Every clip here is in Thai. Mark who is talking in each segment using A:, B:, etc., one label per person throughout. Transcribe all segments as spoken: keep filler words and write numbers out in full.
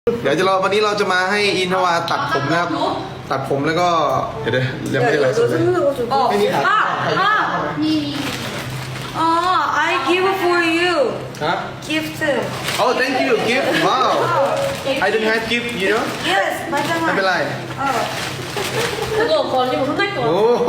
A: เดี๋ยวจะรอวันนี้เราจะมาให้อินทวาตัดผมนะครับตัดผมแล้วก็เดี๋ยวเดี๋ยวยังไม่ได้ไลฟ์สดเลย
B: 어,
A: 아,
B: 아, 아, 어, I give for you
A: ฮะ
B: gift.
A: Oh thank you gift wow I don't have gift you know
B: Yes, 맞아.
A: ไม่เป็นไร
B: 어,
C: 그거 걸리면 혼날 거
A: โอ้
C: 같아.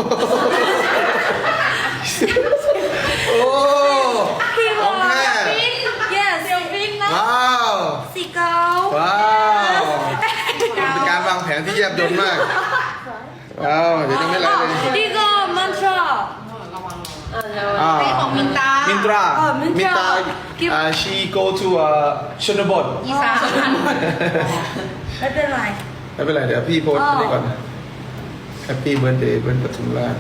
A: โอ้ของแท้
B: yes.
A: ว้าว
B: Seagull.
A: ว้าวเป็นการวางแผนที่แยบยลมากว้าวเดี๋ยวยังไม่ไลฟ์เลย
B: 이거 mantra.
A: อ่า
C: ของมินตา
A: มินตรา
B: อ๋อมินตรา
A: มินตราอ่า she go to อ่าชนบท
C: อีสาน
B: ไม่เป็นไร
A: ไม่เป็นไรเดี๋ยวพี่โพสต์
B: อ๋อ
A: อันนี้ก่อน Happy birthday เบิร์นปทุมราช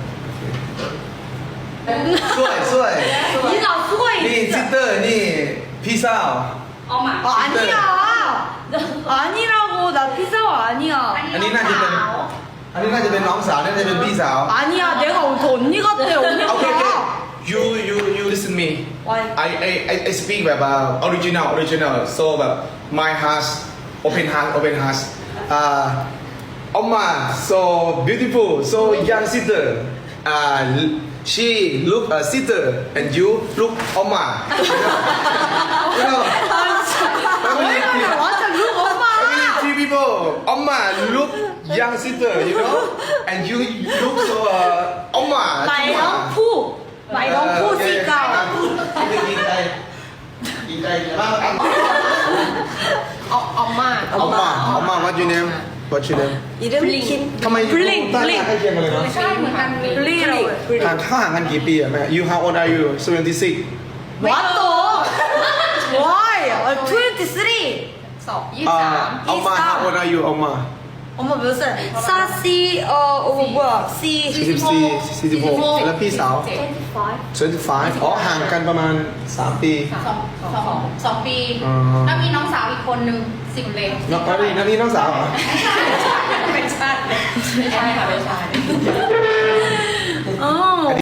A: สวยสวย
B: นี่เราช่วย
A: นี่ซิสเตอร์นี่พี่สาว
C: เอามา
B: 어, 아니야. 아니라고 나 피자 아니야.
A: อันนี้น่าจะเป็นอันนี้น่าจะเป็นน้องสาวน่าจะเป็นพี่สาว
B: 아니야. 내가 더 언니 같아. 언니
A: โอเคโอเค
B: 같아.
A: you you you listen me
B: Why?
A: I I I I speak แบบ uh, original original so แบบ my heart open heart open heart อ่า Oma so beautiful so young sister อ่า she look a sister and you look Oma you know family
B: 왜냐면 완전 룩 엄마.
A: family three people Oma look young sister you know and you look so uh, Oma
B: 말랑푸. 말랑푸 씨가.
A: กินไก่กินไก่บ้าง
C: เอาเอามา
A: Oma Oma what your name what your name
B: 이름 킨.
A: ทำไม
B: 블링
A: ตั้ง
B: 블링.
A: ใกล้เคียงกันเลยเนาะ
C: ใช่เหมือนกันเลย
B: 블링이라고 해.
A: ห่างเขาห่างกันกี่ปีอะแม่ you how old are you seventy-six
B: What the? Why? 아, twenty-three.
C: สองยี่
A: อ่า
C: สาม
A: เอามา how old are you เอามา
B: 엄마 몇 살? 사시 어, 어 뭐야? C
A: สี่สิบสี่สี่สิบหกแล้วพี่สาว twenty-five อ๋อห่างกันประมาณสามปี
C: สองสองสองปี
A: อ๋อ
C: แล้วมีน้องสาวอีกคนนึงสิบเล็ก
A: น้องอ๋อนี่นั่นนี่น้องสาวเหรอ
C: ไม่ใช่ไม่ใช่ค่ะไม่ใช่